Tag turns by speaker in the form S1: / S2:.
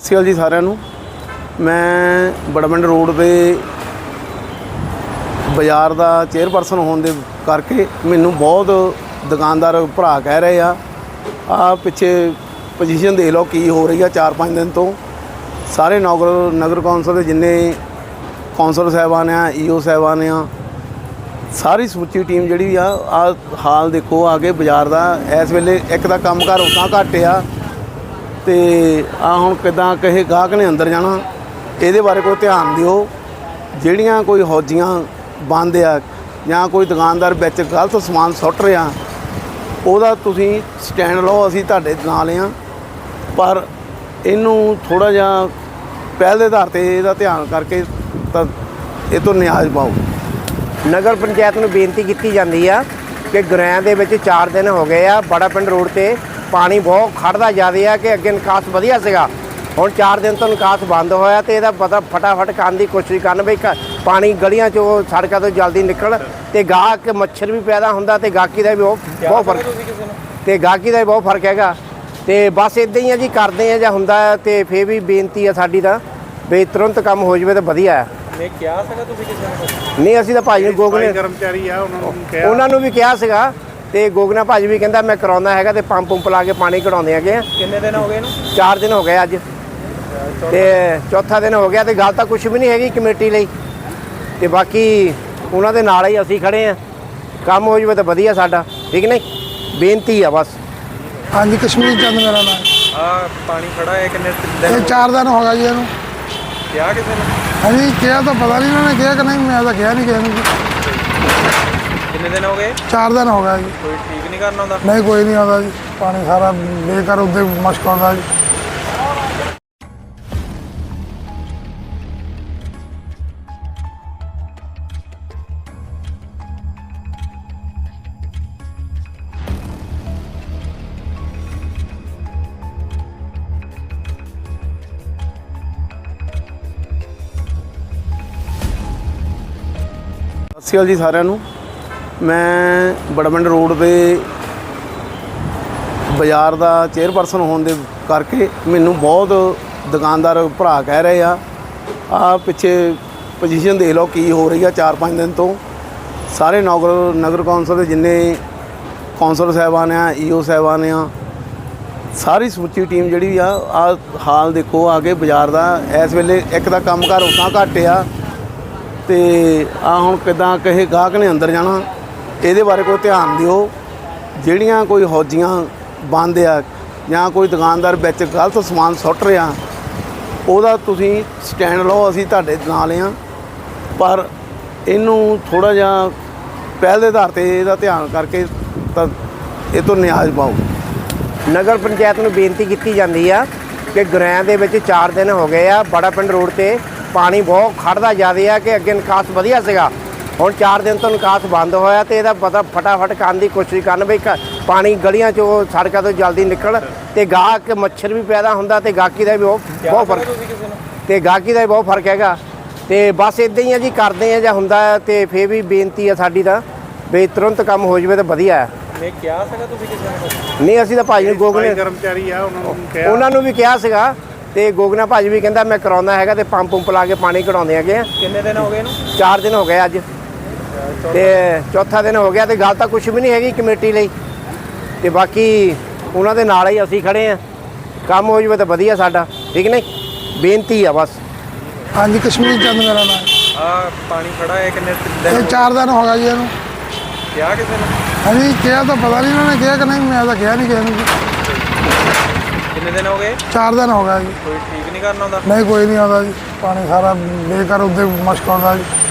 S1: ਸਤਿ ਸ਼੍ਰੀ ਅਕਾਲ ਜੀ ਸਾਰਿਆਂ ਨੂੰ। ਮੈਂ ਬੜਾਮੰਡ ਰੋਡ ਦੇ ਬਾਜ਼ਾਰ ਦਾ ਚੇਅਰਪਰਸਨ ਹੋਣ ਦੇ ਕਰਕੇ ਮੈਨੂੰ ਬਹੁਤ ਦੁਕਾਨਦਾਰ ਭਰਾ ਕਹਿ ਰਹੇ ਆ ਪਿੱਛੇ ਪੋਜੀਸ਼ਨ ਦੇਖ ਲਓ ਕੀ ਹੋ ਰਹੀ ਆ। 4-5 ਦਿਨ ਤੋਂ ਸਾਰੇ ਨਗਰ ਕੌਂਸਲ ਦੇ ਜਿੰਨੇ ਕੌਂਸਲਰ ਸਾਹਿਬਾਨ ਆ, ਈਓ ਸਾਹਿਬਾਨ ਆ, ਸਾਰੀ ਸਮੁੱਚੀ ਟੀਮ ਜਿਹੜੀ ਆ ਹਾਲ ਦੇਖੋ ਆ ਕੇ ਬਾਜ਼ਾਰ ਦਾ। ਇਸ ਵੇਲੇ ਇੱਕ ਤਾਂ ਕੰਮਕਾਰ ਉੱਦਾਂ ਘੱਟ ਆ ਤੇ ਹੁਣ ਕਿੱਦਾਂ ਕਿਸੇ ਗਾਹਕ ਨੇ ਅੰਦਰ ਜਾਣਾ, ਇਹਦੇ ਬਾਰੇ ਕੋਈ ਧਿਆਨ ਦਿਓ। ਜਿਹੜੀਆਂ ਕੋਈ ਹੌਜੀਆਂ ਬੰਦ ਆ ਜਾਂ ਕੋਈ ਦੁਕਾਨਦਾਰ ਵਿੱਚ ਗਲਤ ਸਮਾਨ ਸੁੱਟ ਰਿਹਾ, ਉਹਦਾ ਤੁਸੀਂ ਸਟੈਂਡ ਲਓ, ਅਸੀਂ ਤੁਹਾਡੇ ਨਾਲ ਆ। ਪਰ ਇਹਨੂੰ ਥੋੜ੍ਹਾ ਜਿਹਾ ਪਹਿਲ ਦੇ ਆਧਾਰ 'ਤੇ ਇਹਦਾ ਧਿਆਨ ਕਰਕੇ ਤਾਂ ਇਹ ਤੋਂ ਨਿਆਜ਼ ਪਾਓ।
S2: ਨਗਰ ਪੰਚਾਇਤ ਨੂੰ ਬੇਨਤੀ ਕੀਤੀ ਜਾਂਦੀ ਆ ਕਿ ਗੁਰੈਆਂ ਦੇ ਵਿੱਚ 4 ਦਿਨ ਹੋ ਗਏ ਆ, ਬੜਾਪਿੰਡ ਰੋਡ ਤੇ ਪਾਣੀ ਬਹੁਤ ਖੜਦਾ ਜ਼ਿਆਦਾ ਆ ਕਿ ਅੱਗੇ ਨਿਕਾਸ ਵਧੀਆ ਸੀਗਾ। ਹੁਣ 4 ਦਿਨ ਤੋਂ ਨਿਕਾਸ ਬੰਦ ਹੋਇਆ ਤੇ ਇਹਦਾ ਪਤਾ ਫਟਾਫਟ ਕਰਨ ਦੀ ਕੋਸ਼ਿਸ਼ ਕਰਨ ਵੀ ਪਾਣੀ ਗਲੀਆਂ 'ਚੋਂ ਸੜਕਾਂ ਤੋਂ ਜਲਦੀ ਨਿਕਲ ਤੇ ਗਾਹਕ ਮੱਛਰ ਵੀ ਪੈਦਾ ਹੁੰਦਾ ਤੇ ਗਾਹਕੀ ਦਾ ਵੀ ਬਹੁਤ ਫਰਕ ਹੈਗਾ। ਤੇ ਬਸ ਇੱਦਾਂ ਹੀ ਆ ਜੀ, ਕਰਦੇ ਆ ਜਾਂ ਹੁੰਦਾ ਤੇ ਫਿਰ ਵੀ ਬੇਨਤੀ ਆ ਸਾਡੀ ਤਾਂ ਵੀ ਤੁਰੰਤ ਕੰਮ ਹੋ ਜਾਵੇ ਤਾਂ ਵਧੀਆ ਹੈ।
S3: ਮੈਂ ਕਿਹਾ ਸੀਗਾ ਤੁਸੀਂ ਕਿਸੇ ਨੂੰ?
S2: ਨਹੀਂ, ਅਸੀਂ ਤਾਂ ਭਾਜੀ ਨੂੰ ਗੋਗਨੇ
S1: ਕਰਮਚਾਰੀ ਆ
S2: ਉਹਨਾਂ ਨੂੰ ਵੀ ਕਿਹਾ ਸੀਗਾ ਤੇ ਗੋਗਨਾ ਭਾਜੀ ਵੀ ਕਹਿੰਦਾ ਮੈਂ ਕਰਾਉਂਦਾ ਹੈਗਾ ਤੇ ਪੰਪ ਲਾ ਕੇ ਪਾਣੀ ਕਢਾਉਂਦੇ ਹੈਗੇ।
S3: ਕਿੰਨੇ ਦਿਨ ਹੋ ਗਏ ਇਹਨੂੰ?
S2: 4 ਦਿਨ ਹੋ ਗਏ ਅੱਜ ਤੇ ਚੌਥਾ ਦਿਨ ਹੋ ਗਿਆ ਤੇ ਗੱਲ ਤਾਂ ਕੁਝ ਵੀ ਨਹੀਂ ਹੈਗੀ ਕਮੇਟੀ ਲਈ। ਤੇ ਬਾਕੀ ਉਹਨਾਂ ਦੇ ਨਾਲ ਹੀ ਅਸੀਂ ਖੜੇ ਆ, ਕੰਮ ਹੋ ਜਾਵੇ ਤਾਂ ਵਧੀਆ ਸਾਡਾ, ਠੀਕ ਨਹੀਂ? ਬੇਨਤੀ ਆ ਬਸ।
S4: हाँ जी, कश्मीर चंद मेरा नाम।
S3: पानी खड़ा है कितने
S4: ये
S3: दिन?
S4: 4 दिन हो गया जी ਇਹਨੂੰ।
S3: क्या किसी ने?
S4: हाँ जी, किया तो पता नहीं इन्होंने किया कि नहीं, मैं तो किया नहीं किया।
S3: कितने दिन हो गए?
S4: 4 दिन हो गया जी।
S3: कोई ठीक नहीं करना होता?
S4: नहीं, कोई नहीं आता जी, पानी सारा बेकार उधर मश्क होता जी।
S1: ਸਤਿ ਸ਼੍ਰੀ ਅਕਾਲ ਜੀ ਸਾਰਿਆਂ ਨੂੰ। ਮੈਂ ਬੜਾਮੰਡ ਰੋਡ ਦੇ ਬਾਜ਼ਾਰ ਦਾ ਚੇਅਰਪਰਸਨ ਹੋਣ ਦੇ ਕਰਕੇ ਮੈਨੂੰ ਬਹੁਤ ਦੁਕਾਨਦਾਰ ਭਰਾ ਕਹਿ ਰਹੇ ਆ ਪਿੱਛੇ ਪੋਜੀਸ਼ਨ ਦੇਖ ਲਓ ਕੀ ਹੋ ਰਹੀ ਆ। 4-5 ਦਿਨ ਤੋਂ ਸਾਰੇ ਨਗਰ ਕੌਂਸਲ ਦੇ ਜਿੰਨੇ ਕੌਂਸਲਰ ਸਾਹਿਬਾਨ ਆ, ਈਓ ਸਾਹਿਬਾਨ ਆ, ਸਾਰੀ ਸਮੁੱਚੀ ਟੀਮ ਜਿਹੜੀ ਆ ਹਾਲ ਦੇਖੋ ਆ ਕੇ ਬਾਜ਼ਾਰ ਦਾ। ਇਸ ਵੇਲੇ ਇੱਕ ਤਾਂ ਕੰਮਕਾਰ ਉੱਦਾਂ ਘੱਟ ਆ ਤੇ ਹੁਣ ਕਿੱਦਾਂ ਕਿਸੇ ਗਾਹਕ ਨੇ ਅੰਦਰ ਜਾਣਾ, ਇਹਦੇ ਬਾਰੇ ਕੋਈ ਧਿਆਨ ਦਿਓ। ਜਿਹੜੀਆਂ ਕੋਈ ਹੌਜੀਆਂ ਬੰਦ ਆ ਜਾਂ ਕੋਈ ਦੁਕਾਨਦਾਰ ਵਿੱਚ ਗਲਤ ਸਮਾਨ ਸੁੱਟ ਰਿਹਾ, ਉਹਦਾ ਤੁਸੀਂ ਸਟੈਂਡ ਲਓ, ਅਸੀਂ ਤੁਹਾਡੇ ਨਾਲ ਆ। ਪਰ ਇਹਨੂੰ ਥੋੜ੍ਹਾ ਜਿਹਾ ਪਹਿਲ ਦੇ ਆਧਾਰ 'ਤੇ ਇਹਦਾ ਧਿਆਨ ਕਰਕੇ ਤਾਂ ਇਹ ਤੋਂ ਨਿਆਜ਼ ਪਾਓ।
S2: ਨਗਰ ਪੰਚਾਇਤ ਨੂੰ ਬੇਨਤੀ ਕੀਤੀ ਜਾਂਦੀ ਆ ਕਿ ਗੁਰੈਆਂ ਦੇ ਵਿੱਚ 4 ਦਿਨ ਹੋ ਗਏ ਆ, ਬੜਾਪਿੰਡ ਰੋਡ ਤੇ ਪਾਣੀ ਬਹੁਤ ਖੜਦਾ ਜ਼ਿਆਦਾ ਆ ਕਿ ਅੱਗੇ ਨਿਕਾਸ ਵਧੀਆ ਸੀਗਾ। ਹੁਣ 4 ਦਿਨ ਤੋਂ ਨਿਕਾਸ ਬੰਦ ਹੋਇਆ ਤੇ ਇਹਦਾ ਪਤਾ ਫਟਾਫਟ ਕਰਨ ਦੀ ਕੋਸ਼ਿਸ਼ ਕਰਨ ਵੀ ਪਾਣੀ ਗਲੀਆਂ 'ਚੋਂ ਸੜਕਾਂ ਤੋਂ ਜਲਦੀ ਨਿਕਲ ਤੇ ਗਾਹਕ ਮੱਛਰ ਵੀ ਪੈਦਾ ਹੁੰਦਾ ਤੇ ਗਾਹਕੀ ਦਾ ਵੀ ਬਹੁਤ ਫਰਕ ਹੈਗਾ। ਤੇ ਬਸ ਇੱਦਾਂ ਹੀ ਆ ਜੀ, ਕਰਦੇ ਆ ਜਾਂ ਹੁੰਦਾ ਤੇ ਫਿਰ ਵੀ ਬੇਨਤੀ ਆ ਸਾਡੀ ਤਾਂ ਵੀ ਤੁਰੰਤ ਕੰਮ ਹੋ ਜਾਵੇ ਤਾਂ ਵਧੀਆ ਹੈ।
S3: ਮੈਂ ਕਿਹਾ ਸੀਗਾ ਤੁਸੀਂ ਕਿਸੇ ਨੂੰ?
S2: ਨਹੀਂ, ਅਸੀਂ ਤਾਂ ਭਾਜੀ ਨੂੰ ਗੋਗਨੇ
S1: ਕਰਮਚਾਰੀ ਆ
S2: ਉਹਨਾਂ ਨੂੰ ਵੀ ਕਿਹਾ ਸੀਗਾ ਤੇ ਗੋਗਨਾ ਭਾਜੀ ਵੀ ਕਹਿੰਦਾ ਮੈਂ ਕਰਾਉਂਦਾ ਹੈਗਾ ਤੇ ਪੰਪ ਲਾ ਕੇ ਪਾਣੀ ਕਢਾਉਂਦੇ ਹੈਗੇ।
S3: ਕਿੰਨੇ ਦਿਨ ਹੋ ਗਏ ਇਹਨੂੰ?
S2: 4 ਦਿਨ ਹੋ ਗਏ ਅੱਜ ਤੇ ਚੌਥਾ ਦਿਨ ਹੋ ਗਿਆ ਤੇ ਗੱਲ ਤਾਂ ਕੁਝ ਵੀ ਨਹੀਂ ਹੈਗੀ ਕਮੇਟੀ ਲਈ। ਤੇ ਬਾਕੀ ਉਹਨਾਂ ਦੇ ਨਾਲ ਹੀ ਅਸੀਂ ਖੜੇ ਆ, ਕੰਮ ਹੋ ਜਾਵੇ ਤਾਂ ਵਧੀਆ ਸਾਡਾ, ਠੀਕ ਨਹੀਂ? ਬੇਨਤੀ ਆ ਬਸ।
S4: हाँ जी, कश्मीर चंद मेरा नाम।
S3: पानी खड़ा है कितने
S4: ये
S3: दिन?
S4: 4 दिन हो गया जी ਇਹਨੂੰ।
S3: क्या किसी ने?
S4: हाँ जी, किया तो पता नहीं इन्होंने किया कि नहीं, मैं तो किया नहीं किया।
S3: कितने दिन हो गए?
S4: 4 दिन हो गया जी।
S3: कोई ठीक नहीं करना होता?
S4: नहीं, कोई नहीं आता जी, पानी सारा बेकार उधर मश्क होता जी।